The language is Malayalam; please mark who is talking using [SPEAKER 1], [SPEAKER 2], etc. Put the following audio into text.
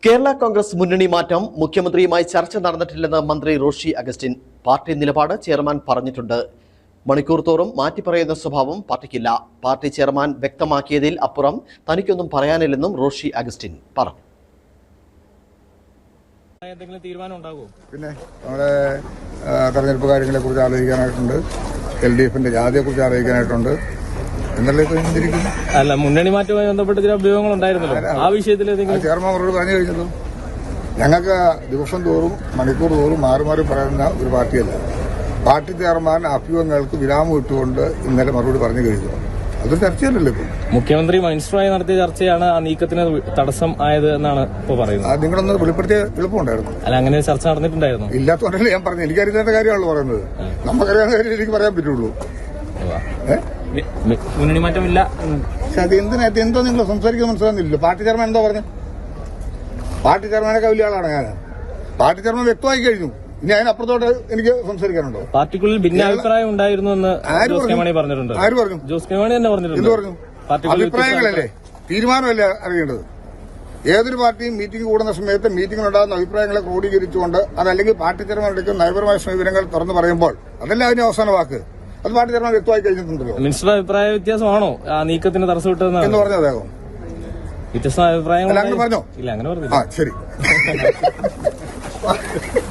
[SPEAKER 1] കേരള കോൺഗ്രസ് മുന്നണി മാറ്റം മുഖ്യമന്ത്രിയുമായി ചർച്ച നടന്നിട്ടില്ലെന്ന് മന്ത്രി റോഷി അഗസ്റ്റിൻ. പാർട്ടി നിലപാട് ചെയർമാൻ പറഞ്ഞിട്ടുണ്ട്. മണിക്കൂർ തോറും മാറ്റിപ്പറയുന്ന സ്വഭാവം പാർട്ടിക്കില്ല. പാർട്ടി ചെയർമാൻ വ്യക്തമാക്കിയതിൽ അപ്പുറം തനിക്കൊന്നും പറയാനില്ലെന്നും റോഷി അഗസ്റ്റിൻ പറഞ്ഞു.
[SPEAKER 2] പിന്നെ നമ്മുടെ തെരഞ്ഞെടുപ്പ് കാര്യങ്ങളെ കുറിച്ച് ആലോചിക്കാനായിട്ടുണ്ട്, LDFന്റെ ജാതിയെക്കുറിച്ച് ആലോചിക്കാനായിട്ടുണ്ട്.
[SPEAKER 3] അല്ല, മുന്നണി മാറ്റവുമായി ബന്ധപ്പെട്ട് ചില അഭ്യൂഹങ്ങൾ ഉണ്ടായിരുന്നല്ലോ, ആ വിഷയത്തിൽ
[SPEAKER 2] ചെയർമാൻ അവരോട് പറഞ്ഞു കഴിഞ്ഞല്ലോ. ഞങ്ങൾക്ക് ദിവസം തോറും മണിക്കൂർ തോറും മാറി മാറി പറയുന്ന ഒരു പാർട്ടിയല്ല. പാർട്ടി ചെയർമാൻ അഭ്യൂഹങ്ങൾക്ക് വിരാമം ഇട്ടുകൊണ്ട് ഇന്നലെ മറുപടി പറഞ്ഞു കഴിഞ്ഞു. അതൊരു ചർച്ചയല്ലല്ലോ. ഇപ്പം
[SPEAKER 3] മുഖ്യമന്ത്രി മജിസ്ട്രേറ്റുമായി നടത്തിയ ചർച്ചയാണ് ആ നീക്കത്തിന് തടസ്സം ആയത് എന്നാണ് ഇപ്പൊ പറയുന്നത്.
[SPEAKER 2] അത് നിങ്ങളൊന്ന് വെളിപ്പെടുത്തിയ എളുപ്പമുണ്ടായിരുന്നു.
[SPEAKER 3] അല്ല, അങ്ങനെ ചർച്ച നടന്നിട്ടുണ്ടായിരുന്നു.
[SPEAKER 2] ഇല്ലാത്തതുകൊണ്ടല്ലേ ഞാൻ പറഞ്ഞു. എനിക്കറിയാത്ത കാര്യമാണല്ലോ പറയുന്നത്. നമുക്കറിയാവുന്ന കാര്യം എനിക്ക് പറയാൻ പറ്റുള്ളൂ.
[SPEAKER 3] മുന്നണി മാറ്റമില്ല.
[SPEAKER 2] അത് എന്തോ നിങ്ങൾ സംസാരിക്കുന്നത് മനസ്സിലാകുന്നില്ലല്ലോ. പാർട്ടി ചെയർമാൻ എന്തോ പറഞ്ഞു? പാർട്ടി ചെയർമാനൊക്കെ വലിയ ആളാണ് ഞാൻ. പാർട്ടി ചെയർമാൻ വ്യക്തമായി കഴിഞ്ഞു. ഇനി അതിനപ്പുറത്തോട്ട് എനിക്ക് സംസാരിക്കാനുണ്ടോ?
[SPEAKER 3] പാർട്ടിക്കുള്ളിൽ ഭിന്നാഭിപ്രായം ഉണ്ടായിരുന്നു എന്ന് ജോസ് കെ മാണി പറഞ്ഞിട്ടുണ്ട്.
[SPEAKER 2] ആര് പറഞ്ഞു?
[SPEAKER 3] ജോസ് കെ മാണി തന്നെ പറഞ്ഞിട്ടുണ്ട്.
[SPEAKER 2] എന്ത് പറഞ്ഞു? അഭിപ്രായങ്ങളല്ലേ, തീരുമാനമല്ലേ അറിയേണ്ടത്. ഏതൊരു പാർട്ടിയും മീറ്റിംഗ് കൂടുന്ന സമയത്ത് മീറ്റിംഗിലുണ്ടാകുന്ന അഭിപ്രായങ്ങളെ ക്രോഡീകരിച്ചുകൊണ്ട് അതല്ലെങ്കിൽ പാർട്ടി ചെയർമാൻ എടുക്കുന്ന നയപരമായ സമീപനങ്ങൾ തുറന്നു പറയുമ്പോൾ അതല്ല അതിന്റെ അവസാന വാക്ക്. അത് പാർട്ടി ചെയർമാൻ വ്യക്തമായി കഴിഞ്ഞിട്ടുണ്ടല്ലോ.
[SPEAKER 3] മിനിസ്റ്ററുടെ അഭിപ്രായ വ്യത്യാസമാണോ ആ നീക്കത്തിന് തടസ്സം വിട്ടതെന്ന്
[SPEAKER 2] പറഞ്ഞു അദ്ദേഹം?
[SPEAKER 3] വ്യത്യസ്ത അഭിപ്രായങ്ങൾ
[SPEAKER 2] പറഞ്ഞോ?
[SPEAKER 3] ഇല്ല, അങ്ങനെ പറഞ്ഞു.
[SPEAKER 2] ശരി.